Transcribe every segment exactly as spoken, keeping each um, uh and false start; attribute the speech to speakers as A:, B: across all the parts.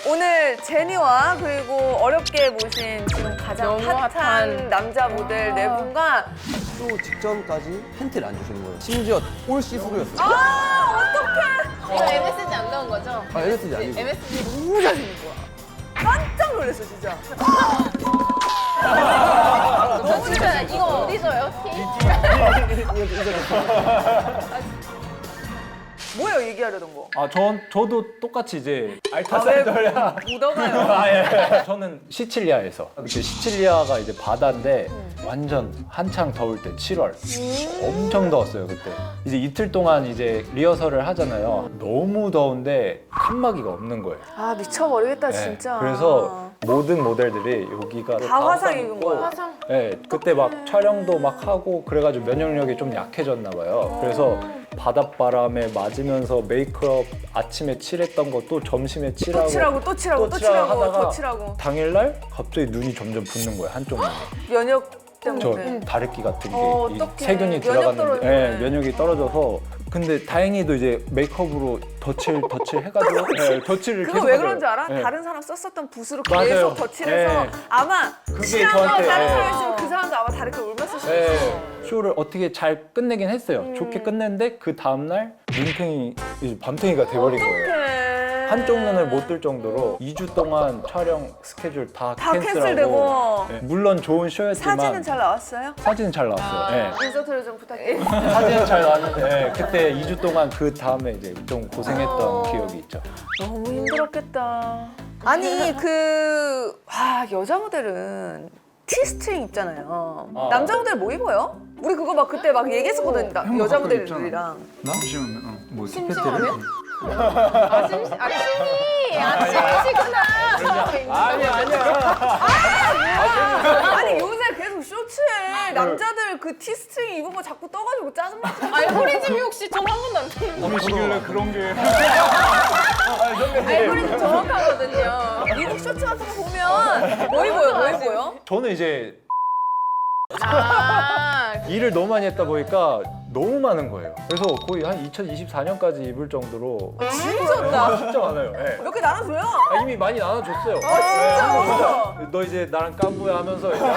A: 오늘 제니와 그리고 어렵게 모신 지금 가장
B: 너무
A: 핫한,
B: 핫한.
A: 남자 모델 네 분과
C: 쇼 직전까지 팬티를 안 주시는 거예요. 심지어 올 시스루였어요.
A: 아 어떡해
B: 이거 엠에스지 안 넣은 거죠?
C: 아, 엠에스지 아니고.
B: 엠에스지
A: 너무 잘생긴 거야 깜짝 놀랐어 진짜
B: 저 진짜 이거 어디 줘요?
A: 뭐예요 얘기하려던 거?
D: 아, 전 저도 똑같이 이제
A: 아, 왜
D: 알타산더야.
A: 묻어가요?
D: 아, 예. 저는 시칠리아에서. 그 시칠리아가 이제 바다인데 완전 한창 더울 때 칠월. 엄청 더웠어요, 그때. 이제 이틀 동안 이제 리허설을 하잖아요. 너무 더운데 칸막이가 없는 거예요.
A: 아 미쳐버리겠다
D: 네.
A: 진짜
D: 그래서 모든 모델들이 여기가
A: 다 화상 입은
D: 입고
A: 거야
B: 화상.
D: 네, 그때 막 촬영도 막 하고 그래가지고 면역력이 좀 약해졌나 봐요. 그래서 바닷바람에 맞으면서 메이크업 아침에 칠했던 거 또 점심에 칠하고
A: 또 칠하고 또 칠하고 또 칠하고
D: 하다가
A: 더 칠하고
D: 당일날 갑자기 눈이 점점 붓는 거예요, 한쪽 눈이.
A: 면역
D: 저
A: 때문에
D: 다래끼 같은 게
A: 어,
D: 이
A: 어떡해.
D: 세균이
A: 면역
D: 들어갔는데
A: 떨어지네.
D: 예, 면역이 떨어져서 근데 다행히도 이제 메이크업으로 덧칠 덧칠 해가지고 예, 덧칠을
A: 그거
D: 계속
A: 왜
D: 하더라고요.
A: 그런지 알아?
D: 예.
A: 다른 사람 썼었던 붓으로
D: 맞아요.
A: 계속 덧칠해서
D: 예.
A: 아마
D: 그게
A: 친한 거
D: 저한테,
A: 다른
D: 예.
A: 사람이 있으면 그 사람도 아마 다르게 울면서 썼어
D: 예, 쇼를 어떻게 잘 끝내긴 했어요.
A: 음.
D: 좋게 끝냈는데 그 다음날 눈탱이 이제 밤탱이가 돼버린 거예요.
A: 어떡해
D: 한쪽 눈을 못 뜰 정도로 이 주 동안 촬영 스케줄 다,
A: 다
D: 캔슬하고
A: 캔슬되고.
D: 예, 물론 좋은 쇼였지만
A: 사진은 잘 나왔어요?
D: 사진은 잘 나왔어요. 예.
A: 인서트를 좀 부탁해요
D: 사진은 잘 나왔는데 예, 그때 이 주 동안 그 다음에 이제 좀 고생했던
A: 어.
D: 기억이 있죠.
A: 너무 힘들었겠다 아니 그... 와 여자 모델은 티스트링 입잖아요
D: 아.
A: 남자 모델 뭐 입어요? 우리 그거 막 그때 막 얘기했었거든 나- 여자 모델들이랑
D: 나?
E: 잠시만요. 어, 뭐
B: 심심하면? 아 심시 아 심이 아 심이시구나.
D: 아니 아니야.
A: 아니 요새 계속 쇼츠에 남자들 그 티스트링 입은 거 자꾸 떠가지고 짜증나지
B: 아니 호리집이 혹시 전 한 번도 안 듣는
D: 보시길래 그런 게.
B: 알고리즘 정확하거든요.
A: 미국 쇼츠 같은 거 보면 뭐 입어요? 뭐 입어요?
D: 저는 이제
B: 아
D: 일을 너무 많이 했다 보니까 너무 많은 거예요. 그래서 거의 한 이천이십사 년까지 입을 정도로
A: 진짜다
D: 진짜 많아요. 예.
A: 몇 개 나눠줘요?
D: 아, 이미 많이 나눠줬어요.
A: 아 진짜?
D: 네. 너 이제 나랑 깐부야 하면서 이제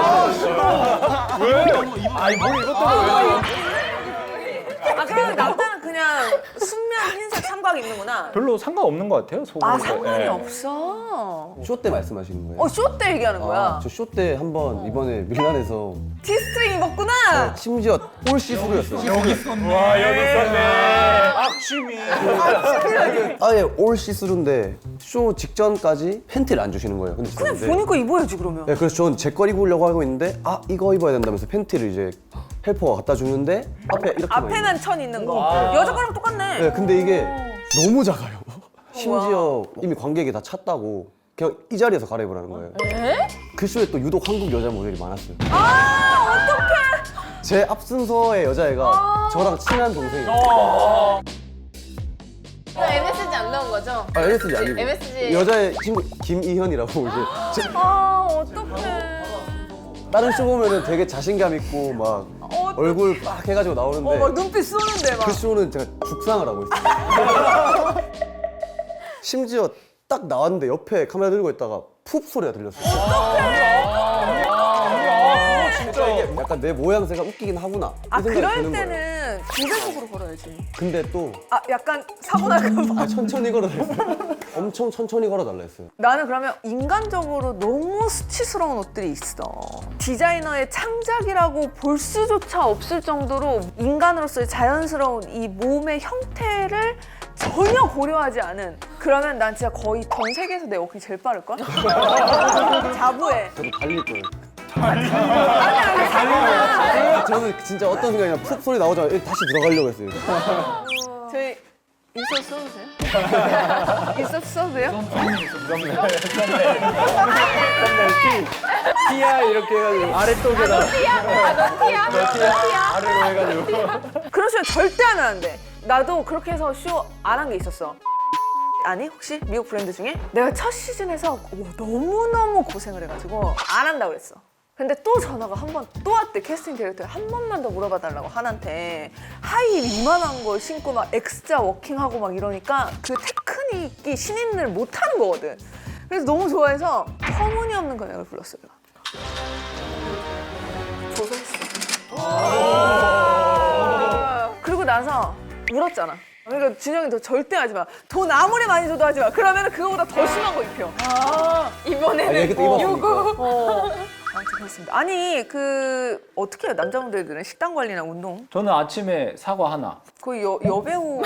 D: 왜? 아니 뭘 이것 때문에 왜?
A: 아 그러면 남자는 그냥 순면 흰색 삼각 입는구나
D: 별로 상관없는 것 같아요. 속으로.
A: 아 상관이
D: 예.
A: 없어
C: 쇼 때 말씀하시는 거예요?
A: 어 쇼 때 얘기하는 거야
C: 아, 저 쇼 때 한 번 이번에 밀란에서
A: 티스트링 입었구나
C: 심지어 올 시스루였어요.
E: 여기 있었네.
D: 와 여기 있었네. 악취미.
C: 아예 올 시스루인데 쇼 직전까지 팬티를 안 주시는 거예요. 근데
A: 그냥
C: 저한테.
A: 보니까 입어야지 그러면
C: 네, 그래서 저는 제 걸 입으려고 하고 있는데 아 이거 입어야 된다면서 팬티를 이제 헬퍼가 갖다 주는데 앞에 이렇게
A: 앞에는 천 있는 거 여자 거랑 똑같네
C: 네, 근데 이게 너무 작아요. 심지어 이미 관객이 다 찼다고 그냥 이 자리에서 갈아입으라는 거예요. 그 쇼에 또 유독 한국 여자 모델이 많았어요.
A: 아 어떡해
C: 제 앞순서의 여자애가 저랑 친한 동생이에요.
B: 이거 엠에스지 안 넣은 거죠?
C: 아, 엠에스지 아니고
B: 엠에스지.
C: 여자애 친구 김이현이라고 이제 제-
A: 아 어떡해
C: 다른 쇼 보면은 되게 자신감 있고 막
A: 어,
C: 얼굴 빡 해가지고 나오는데
A: 어, 막 눈빛 쏘는데 막
C: 그 쇼는 제가 죽상을 하고 있어요. 심지어 딱 나왔는데 옆에 카메라 들고 있다가 푹 소리가 들렸어요.
D: 아, 진짜.
C: 이게 약간 내 모양새가 웃기긴 하구나. 이
A: 아
C: 생각이
A: 그럴
C: 드는 거예요.
A: 때는 기대적으로 걸어야지
C: 근데 또
A: 아 약간 사고 날까 봐
C: 아, 천천히 걸어달랬어요. 엄청 천천히 걸어달라 했어요.
A: 나는 그러면 인간적으로 너무 수치스러운 옷들이 있어 디자이너의 창작이라고 볼 수조차 없을 정도로 인간으로서의 자연스러운 이 몸의 형태를 전혀 고려하지 않은 그러면 난 진짜 거의 전 세계에서 내 워킹 제일 빠를걸? 자부해
C: 저도 달릴 거예요. 저는 진짜 어떤 생각이냐 푹 소리 나오자마자 다시 들어가려고 했어요.
A: 저희 인서트 써도 돼요? 인서트 써도 돼요?
D: 티야 이렇게 해가지고 아래쪽에다
B: 티야? 티야?
D: 아래로 해가지고.
A: 그런 쇼 절대 하면 안 돼. 나도 그렇게 해서 쇼 안 한 게 있었어. 아니 혹시 미국 브랜드 중에 내가 첫 시즌에서 오, 너무너무 고생을 해가지고 안 한다고 그랬어. 근데 또 전화가 한 번 또 왔대. 캐스팅 디렉터에 한 번만 더 물어봐 달라고 한한테. 하이 이만한 거 신고 막 X자 워킹하고 막 이러니까 그 테크닉이 신인을 못하는 거거든. 그래서 너무 좋아해서 터무니없는 금액을 불렀어요. 조선했어. 그리고 나서 울었잖아. 그러니까 준영이 너 절대 하지 마. 돈 아무리 많이 줘도 하지 마. 그러면 그거보다 더 심한 거 입혀.
B: 아, 이번에는
C: 아니, 그때 입었으니까.
B: 요거.
A: 어. 아무튼 그렇습니다. 아니 그 어떻게 해요 남자분들은 식단 관리나 운동?
D: 저는 아침에 사과 하나.
A: 거의 여, 여배우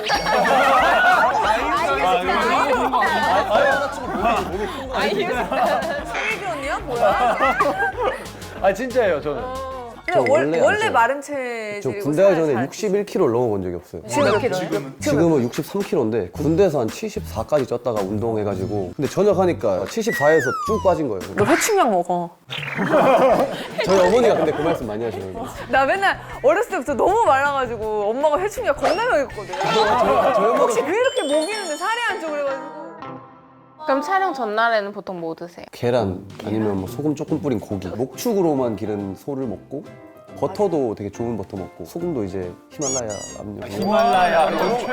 A: 성희기 언니야 뭐야?
D: 아 진짜예요 저는.
A: 근데 원,
C: 원래
A: 원래
C: 안
A: 마른
C: 저
A: 체질이고
C: 군대 가기
A: 살
C: 전에
A: 잘
C: 육십일 킬로그램을 넘어본 적이 없어요.
A: 지금 몇 킬로예요?
C: 지금은 육십삼 킬로그램인데 군대에서 한 칠십사까지 쪘다가 운동해가지고 근데 전역하니까 칠십사에서 쭉 빠진 거예요.
A: 너 회충약 먹어.
C: 저희 어머니가 근데 그 말씀 많이 하시거든요.
A: 나 맨날 어렸을 때부터 너무 말라가지고 엄마가 회충약 겁나 먹였거든. 혹시 왜 이렇게 먹이는데 살이 안 쪄 그래가지고.
B: 그럼 촬영 전날에는 보통 뭐 드세요?
C: 계란 아니면 뭐 소금 조금 뿌린 고기 목축으로 기른 소를 먹고 버터도 되게 좋은 버터 먹고 소금도 이제 히말라야 남녀
D: 히말라야.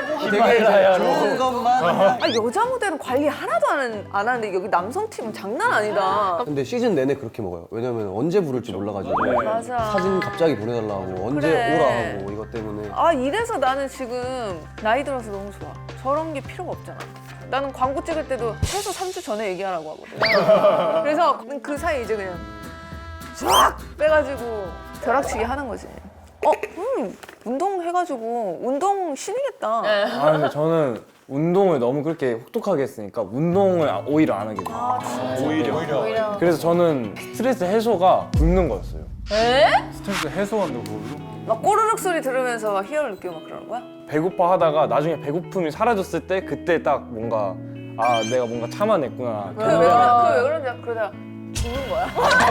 D: 히말라야로.
C: 것만
A: 아 여자 모델은 관리 하나도 안, 안 하는데 여기 남성 팀은 장난 아니다.
C: 근데 시즌 내내 그렇게 먹어요. 왜냐면 언제 부를지 몰라가지고
D: 네.
A: 맞아.
C: 사진 갑자기 보내달라고 언제
A: 그래.
C: 오라 하고 이것 때문에
A: 아 이래서 나는 지금 나이 들어서 너무 좋아. 저런 게 필요가 없잖아. 나는 광고 찍을 때도 최소 삼 주 전에 얘기하라고 하거든. 그래서 그 사이 이제 그냥 쫙 빼가지고 벼락치기 하는 거지. 어, 음, 운동해가지고 운동 신이겠다.
B: 네.
E: 아 근데 저는 운동을 너무 그렇게 혹독하게 했으니까 운동을 오히려 안 하게 돼요.
A: 아, 진짜.
D: 오히려.
B: 오히려.
E: 그래서 저는 스트레스 해소가 굶는 거였어요.
B: 에?
D: 스트레스 해소한다고 그러죠?
A: 막 꼬르륵 소리 들으면서 막 희열을 느끼고 막 그러는 거야?
E: 배고파 하다가 나중에 배고픔이 사라졌을 때 그때 딱 뭔가 아 내가 뭔가 참아냈구나.
A: 그게 왜 그러, 그게 왜 그러냐? 그러다가 죽는 거야.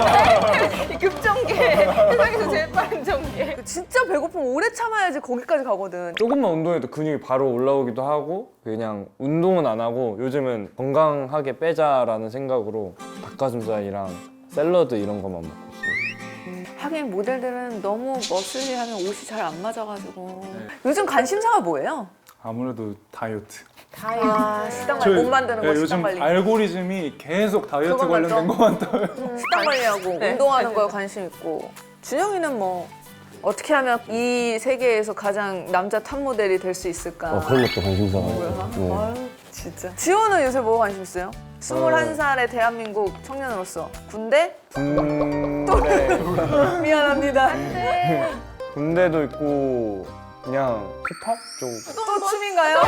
B: 급전개. 세상에서 제일 빠른 전개.
A: 진짜 배고프면 오래 참아야지 거기까지 가거든.
E: 조금만 운동해도 근육이 바로 올라오기도 하고 그냥 운동은 안 하고 요즘은 건강하게 빼자라는 생각으로 닭가슴살이랑 샐러드 이런 것만 먹고 있어요.
A: 하긴 모델들은 너무 머슬리하면 옷이 잘 안 맞아가지고. 요즘 관심사가 뭐예요?
F: 아무래도 다이어트.
A: 아, 식단 관리 못 만드는 거
F: 네,
A: 식단
F: 요즘
A: 관리.
F: 알고리즘이 계속 다이어트
A: 그것만
F: 관련된
A: 떠?
F: 것만 떠요.
A: 음, 식단 관리하고
B: 네.
A: 운동하는 거에 관심 있고. 준영이는 뭐 어떻게 하면 이 세계에서 가장 남자 탑 모델이 될 수 있을까?
C: 어, 그런 것도 관심사가
A: 뭐야?
C: 네.
A: 아유 진짜. 지호는 요새 뭐 관심 있어요? 스물한 살의 대한민국 청년으로서 군대?
E: 군대
A: 미안합니다.
E: 군대도 있고 그냥 힙합 쪽.
A: 또 춤인가요?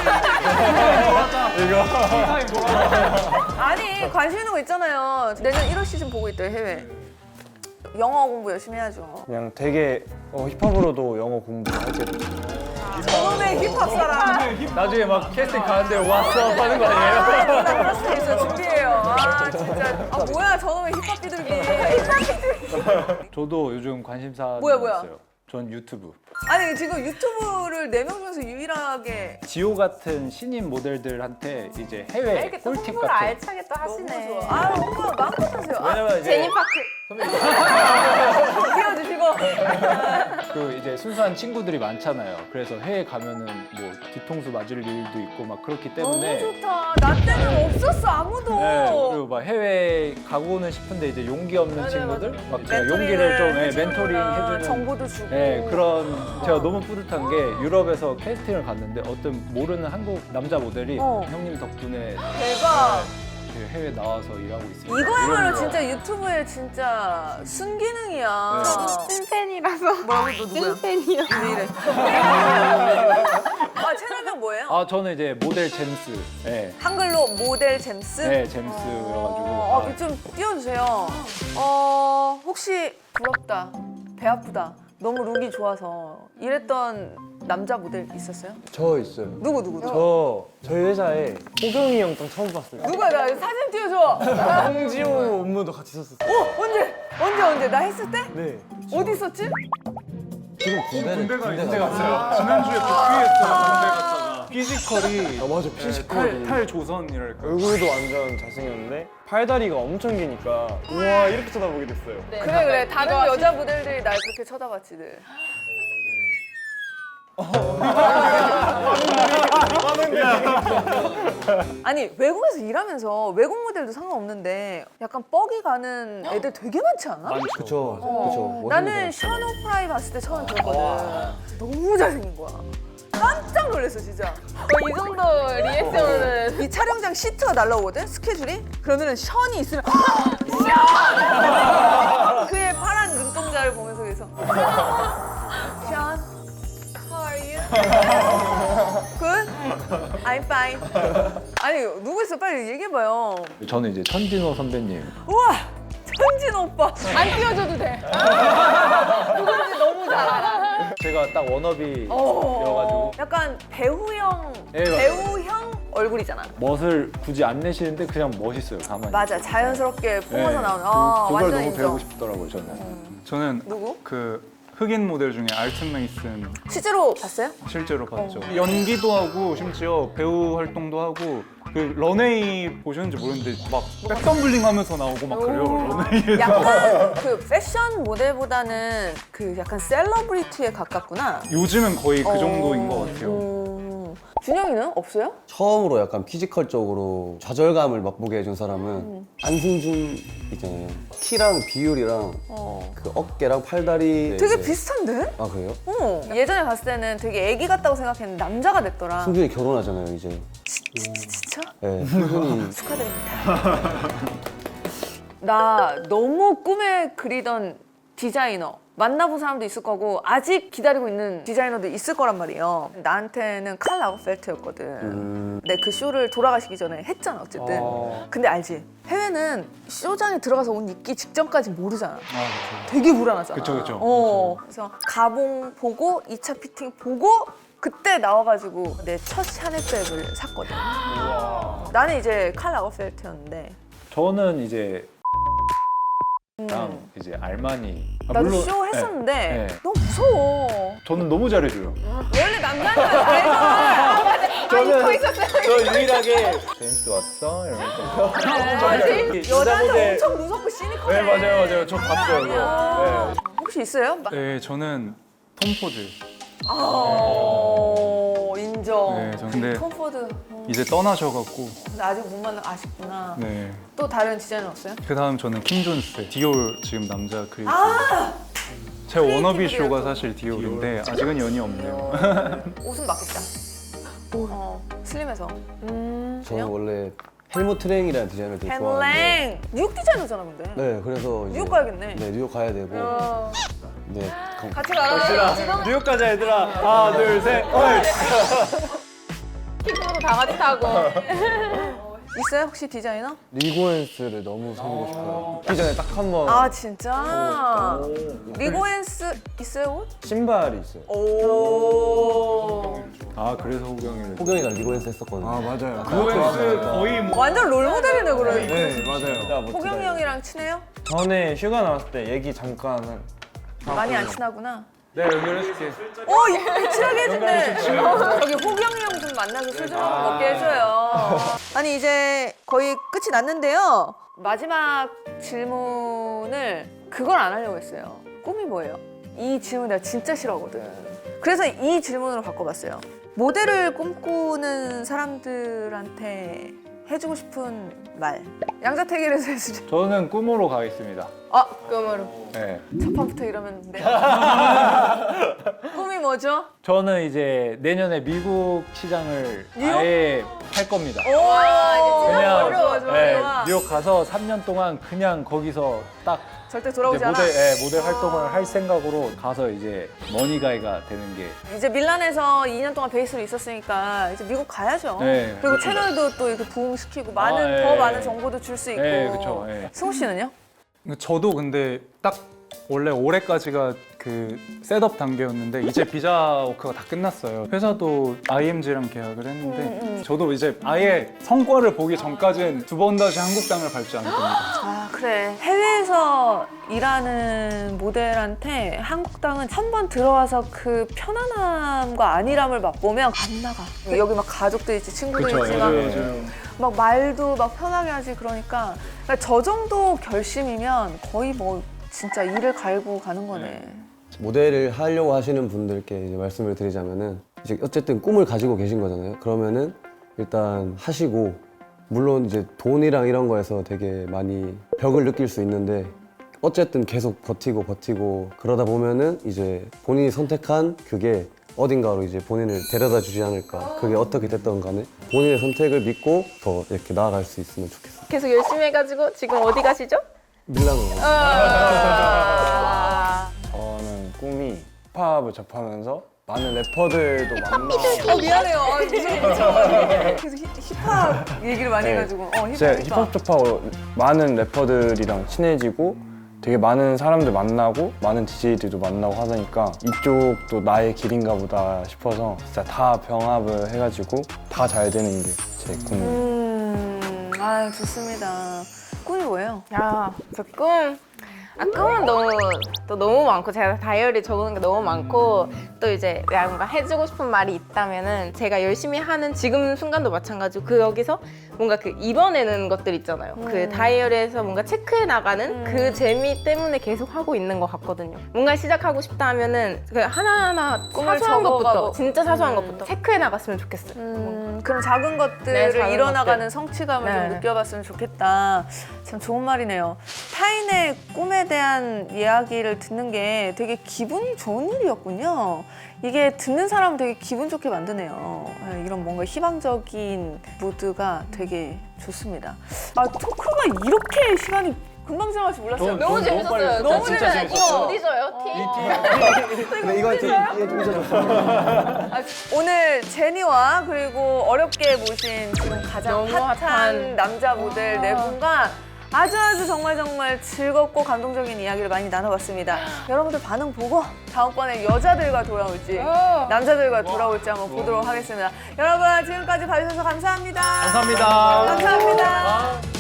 A: 아니 관심 있는 거 있잖아요. 내년 일월 시즌 보고 있대요 해외. 영어 공부 열심히 해야죠.
E: 그냥 되게 어, 힙합으로도 영어 공부하게 됐어요.
A: 저놈의 힙합 사람.
D: 나중에 막 캐스팅 가는데 왔어 하는 거 아니에요?
A: 그럴 수도 있어 준비해요. 아 진짜. 아 뭐야 저놈의 힙합 비둘기. 힙합 비둘기.
D: 저도 요즘 관심사
A: 뭐야, 뭐야?
D: 있어요. 전 유튜브.
A: 아니 지금 유튜브를 네 명 중에서 유일하게
D: 지호 같은 신인 모델들한테 이제 해외
B: 이렇게 또
D: 꿀팁
B: 홍보를
D: 같은.
B: 알차게 또
A: 너무
B: 하시네.
A: 좋아. 아 오빠 마음껏 하세요. 아,
D: 왜냐면 이제
B: 제니파크.
A: 띄워주시고.
D: 그 이제 순수한 친구들이 많잖아요. 그래서 해외 가면은 뭐 뒤통수 맞을 일도 있고 막 그렇기 때문에.
A: 너무 좋다. 나 때는 없었어 아무도.
D: 네, 그리고 막 해외 가고는 싶은데 이제 용기 없는
A: 맞아요,
D: 친구들
A: 맞아요.
D: 막 제가
A: 멘토링을
D: 용기를 좀 예,
A: 해주는구나.
D: 멘토링 해주는
A: 정보도 주고.
D: 네, 그런 제가 너무 뿌듯한 게 유럽에서 캐스팅을 갔는데 어떤 모르는 한국 남자 모델이
A: 어.
D: 형님 덕분에
A: 대박.
D: 그 해외 나와서 일하고 있습니다.
A: 이거야말로
D: 이런 거.
A: 진짜 유튜브의 진짜 순기능이야.
B: 찐팬이라서.
A: 뭐라고 너 누구야?
B: 찐팬이요.
A: 왜 이래? 아 채널명 뭐예요?
D: 아 저는 이제 모델 잼스. 네,
A: 한글로 모델 잼스?
D: 네 잼스여가지고.
A: 어, 어, 좀 띄워주세요. 어, 혹시 부럽다, 배 아프다, 너무 룩이 좋아서 이랬던 남자 모델 있었어요?
E: 저 있어요.
A: 누구 누구?
E: 저 저희 회사에 호경이 형 딱 처음 봤어요.
A: 누가 나 사진 띄워줘.
E: 홍지호 업무도 같이 썼었어요.
A: 어 언제 언제 언제 나 했을 때
E: 네.
A: 어디 있었지?
C: 지금 군대를
F: 군대가
C: 군대
F: 군대
C: 갔어요.
F: 갔어요. 지난주에 복귀했어요. 군대 갔다가. 피지컬이
C: 아 맞아
F: 네, 탈, 탈조선이랄까.
E: 얼굴도 완전 잘생겼는데 팔다리가 엄청 기니까 우와 이렇게 쳐다보게 됐어요.
A: 그래 그래 다른 여자 모델들이 날 그렇게 쳐다봤지 늘. 아니 외국에서 일하면서 외국 모델도 상관없는데 약간 뻑이 가는 애들 되게 많지 않아?
C: 그쵸
A: 어.
C: 그쵸
A: 나는 션 오프라이 봤을 때 처음 들었거든. 너무 잘생긴 거야. 깜짝 놀랐어 진짜.
B: 어, 이 정도 리액션은
A: 이 촬영장 시트가 날라오거든 스케줄이. 그러면은 션이 있으면 그의 파란 눈동자를 보면서 그래서 션 How are you? Good? I'm fine. 아니 누구 있어 빨리 얘기해봐요.
D: 저는 이제 천진호 선배님.
A: 우와 천진 오빠.
B: 안 띄워줘도 돼. 누군지 너무 잘 알아.
D: 제가 딱 워너비여가지고
A: 약간 배우형
D: 네, 맞아요.
A: 배우형 얼굴이잖아.
D: 멋을 굳이 안 내시는데 그냥 멋있어요 가만히.
A: 맞아 자연스럽게 뿜어서
D: 네,
A: 나오는.
D: 그-
A: 아
D: 그걸
A: 완전
D: 너무
A: 인정.
D: 배우고 싶더라고요 저는.
F: 저는
A: 누구?
F: 그 흑인 모델 중에 알튼 메이슨
A: 실제로 봤어요?
F: 실제로 봤죠. 연기도 하고 심지어 배우 활동도 하고 그 런웨이 보셨는지 모르는데 막 백덤블링 하면서 나오고 막 그래요. 런웨이에서.
A: 약간 그 패션 모델보다는 그 약간 셀러브리티에 가깝구나.
F: 요즘은 거의 그
A: 어.
F: 정도인 것 같아요.
A: 음. 준영이는 없어요?
C: 처음으로 약간 피지컬적으로 좌절감을 맛보게 해준 사람은 안승준 있잖아요. 키랑 비율이랑
A: 어.
C: 그 어깨랑 팔다리
A: 되게
C: 이제-
A: 비슷한데?
C: 아 그래요?
A: 어. 예전에 봤을 때는 되게 애기 같다고 생각했는데 남자가 됐더라.
C: 승준이 결혼하잖아요 이제.
A: 진짜?
C: 네, 승준이
A: 축하드립니다. 나 너무 꿈에 그리던 디자이너 만나본 사람도 있을 거고 아직 기다리고 있는 디자이너도 있을 거란 말이에요. 나한테는 칼 라거펠트였거든.
C: 음,
A: 근데 그 쇼를 돌아가시기 전에 했잖아 어쨌든.
F: 어.
A: 근데 알지? 해외는 쇼장에 들어가서 옷 입기 직전까지 모르잖아.
F: 아, 그렇죠.
A: 되게 불안하잖아.
F: 그쵸, 그쵸.
A: 어. 그래서 가봉 보고 이 차 피팅 보고 그때 나와가지고 내 첫 샤넬백을 샀거든. 나는 이제 칼 라거펠트였는데
D: 저는 이제 랑
A: 음.
D: 이제 알마니. 아,
A: 나도
D: 물론-
A: 쇼 했었는데
D: 네, 네.
A: 너무 무서워.
D: 저는 너무 잘해줘요.
A: 원래 남자는 잘해서
D: 저는 저 유일하게 제임스 왔어 이러면서.
A: 여자는 엄청 무섭고 시니컬해.
D: 네 맞아요 맞아요 저 봤어요 그거. 네.
A: 혹시 있어요? 마-
F: 네, 저는 톰 포드.
A: 아, 인정.
F: 네, 저 근데
A: 톰 포드. 어,
F: 이제 떠나셔갖고.
A: 근데 아직 못 만나 아쉽구나.
F: 네.
A: 또 다른 디자이너 없어요?
F: 그 다음 저는 킴 존스. 디올 지금 남자 크리에이터.
A: 아!
F: 제 워너비
A: 크리에이티브
F: 쇼가
A: 디올.
F: 사실 디올인데 아직은 연이 없네요.
A: 옷은 맞겠다. 어, 슬림해서. 음,
C: 저는
A: 그냥?
C: 원래 헬무트 트랭이라는 디자이너를 되게 좋아하는데
A: 헨랭! 뉴욕 디자이너잖아 근데.
C: 네 그래서 이제
A: 뉴욕 가야겠네.
C: 네 뉴욕 가야 되고
A: 어,
C: 네 강-
A: 같이 가라. 지금
D: 뉴욕 가자 얘들아. 하나 둘 셋. 어이.
B: 킥으로 다 같이 타고.
A: 있어요 혹시 디자이너?
E: 리고엔스를 너무 사고 싶어요. 기 전에 딱 한 번
A: 아 진짜? 리고엔스 있어요 옷?
E: 신발이 있어요.
A: 오.
D: 아 그래서 호경이를.
C: 호경이가 리고엔스 했었거든요.
E: 아 맞아요.
F: 리고엔스 거의 뭐
A: 완전 롤 모델이네 그래.
E: 네 맞아요.
A: 호경이 형이랑 친해요?
E: 전에 휴가 나왔을 때 얘기 잠깐 한
A: 많이 안 친하구나.
F: 네, 연결해줄게.
A: 어, 이- 친하게 해준대. 저기 호경이 형 좀 만나서 술 좀 먹게 해줘요. 아니 이제 거의 끝이 났는데요. 마지막 질문을 그걸 안 하려고 했어요. 꿈이 뭐예요? 이 질문 내가 진짜 싫어하거든. 그래서 이 질문으로 바꿔봤어요. 모델을 꿈꾸는 사람들한테 해주고 싶은 말. 양자택일에서 해주죠.
D: 저는 꿈으로 가겠습니다.
A: 아,
B: 꿈으로.
D: 네.
A: 첫 판부터 이러면 네. 꿈이 뭐죠?
D: 저는 이제 내년에 미국 시장을
A: 뉴욕?
D: 아예 팔 겁니다.
A: 오,
D: 그냥
A: 어려워, 좋아,
D: 네,
A: 좋아.
D: 뉴욕 가서 삼 년 동안 그냥 거기서 딱
A: 절대
D: 이제
A: 돌아오지 않아.
D: 모델 예, 모델 활동을 할 생각으로 가서 이제 머니가이가 되는 게
A: 이제 밀란에서 이 년 동안 베이스로 있었으니까 이제 미국 가야죠.
D: 네,
A: 그리고
D: 그렇죠.
A: 채널도 또 이렇게 부흥시키고 많은
D: 아,
A: 더
D: 예.
A: 많은 정보도 줄 수 있고.
D: 네, 그렇죠. 예.
A: 승우 씨는요?
F: 저도 근데 딱 원래 올해까지가 그 셋업 단계였는데 이제 비자 워크가 다 끝났어요. 회사도 아이엠지랑 계약을 했는데
A: 음, 음.
F: 저도 이제 아예 성과를 보기 전까지는 두 번 다시 한국 땅을 밟지 않을 겁니다.
A: 아 그래 해외에서 일하는 모델한테 한국 땅은 한 번 들어와서 그 편안함과 안일함을 맛보면 안 나가. 여기 막 가족들 있지 친구들
D: 그쵸,
A: 있지 막,
D: 맞아요.
A: 막 말도 막 편하게 하지 그러니까, 그러니까 저 정도 결심이면 거의 뭐 진짜 일을 갈고 가는 거네.
C: 모델을 하려고 하시는 분들께 이제 말씀을 드리자면은 이제 어쨌든 꿈을 가지고 계신 거잖아요. 그러면은 일단 하시고, 물론 이제 돈이랑 이런 거에서 되게 많이 벽을 느낄 수 있는데 어쨌든 계속 버티고 버티고 그러다 보면은 이제 본인이 선택한 그게 어딘가로 이제 본인을 데려다 주지 않을까. 그게 어떻게 됐던 간에 본인의 선택을 믿고 더 이렇게 나아갈 수 있으면 좋겠어요.
B: 계속 열심히 해가지고 지금 어디 가시죠?
C: 밀라노.
B: 아~
E: 저는 꿈이 힙합을 접하면서 많은 래퍼들도 만나고
A: 어 미안해요. 아, 무슨 무슨 계속 힙- 힙합 얘기를 많이
E: 네.
A: 해가지고. 어 힙합
E: 제
A: 힙합.
E: 힙합 접하고 많은 래퍼들이랑 친해지고 되게 많은 사람들 만나고 많은 디제이들도 만나고 하니까 이쪽도 나의 길인가 보다 싶어서 진짜 다 병합을 해가지고 다 잘 되는 게 제 꿈이에요.
A: 음, 아 좋습니다. 꿈이 뭐예요?
B: 야, 저 꿈. 아, 꿈은 너무 또 너무 많고 제가 다이어리 적어놓은 게 너무 많고 또 이제 내가 뭔가 해주고 싶은 말이 있다면은 제가 열심히 하는 지금 순간도 마찬가지고 그 여기서 뭔가 그 입어내는 것들 있잖아요. 그 다이어리에서 뭔가 체크해 나가는 그 재미 때문에 계속 하고 있는 것 같거든요. 뭔가 시작하고 싶다 하면은 그 하나하나
A: 꿈을
B: 사소한
A: 적어가고.
B: 것부터 진짜 사소한
A: 음.
B: 것부터 체크해 나갔으면 좋겠어요.
A: 음, 그런 작은 것들을
B: 네, 작은
A: 이뤄나가는
B: 것들.
A: 성취감을
B: 네.
A: 좀 느껴봤으면 좋겠다. 참 좋은 말이네요. 타인의 꿈에 대한 이야기를 듣는 게 되게 기분이 좋은 일이었군요. 이게 듣는 사람은 되게 기분 좋게 만드네요. 네, 이런 뭔가 희망적인 무드가 되게 좋습니다. 아, 토크가 이렇게 시간이 금방 지나갈 줄 몰랐어요.
D: 너무
B: 너무 재밌었어요.
A: 너무
B: 진짜
A: 재밌었어요.
B: 이거 어디 줘요? 티?
C: 근데 이거 좀 이게 좀 잊어줬어.
A: 아, 오늘 제니와 그리고 어렵게 모신 지금 가장
B: 너무
A: 핫한,
B: 핫한.
A: 남자 모델 네 분과 아주 아주 정말 정말 즐겁고 감동적인 이야기를 많이 나눠봤습니다. 여러분들 반응 보고 다음번에 여자들과 돌아올지 남자들과 돌아올지 한번 보도록 하겠습니다. 여러분 지금까지 봐주셔서 감사합니다.
D: 감사합니다.
A: 감사합니다.